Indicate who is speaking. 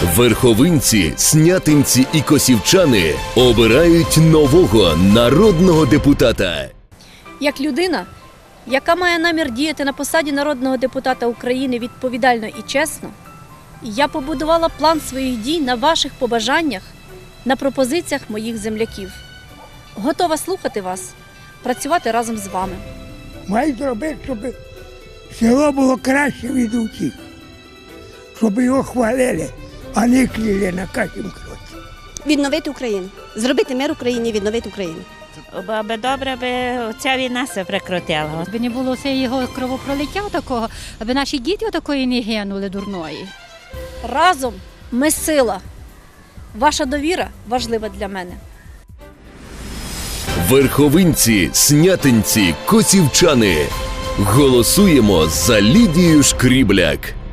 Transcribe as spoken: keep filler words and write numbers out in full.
Speaker 1: Верховинці, снятинці і косівчани обирають нового народного депутата.
Speaker 2: Як людина, яка має намір діяти на посаді народного депутата України відповідально і чесно, я побудувала план своїх дій на ваших побажаннях, на пропозиціях моїх земляків. Готова слухати вас, працювати разом з вами.
Speaker 3: Має зробити, щоб село було краще від усіх, щоб його хвалили, а не кляли на кожному кроці.
Speaker 4: Відновити Україну, зробити мир Україні, відновити Україну.
Speaker 5: Аби добре, аби ця війна се прекратила.
Speaker 6: Аби не було все його кровопролиття такого, аби наші діти такої не гинули дурної.
Speaker 2: Разом ми сила. Ваша довіра важлива для мене.
Speaker 1: Верховинці, снятинці, косівчани. Голосуємо за Лідію Шкрібляк.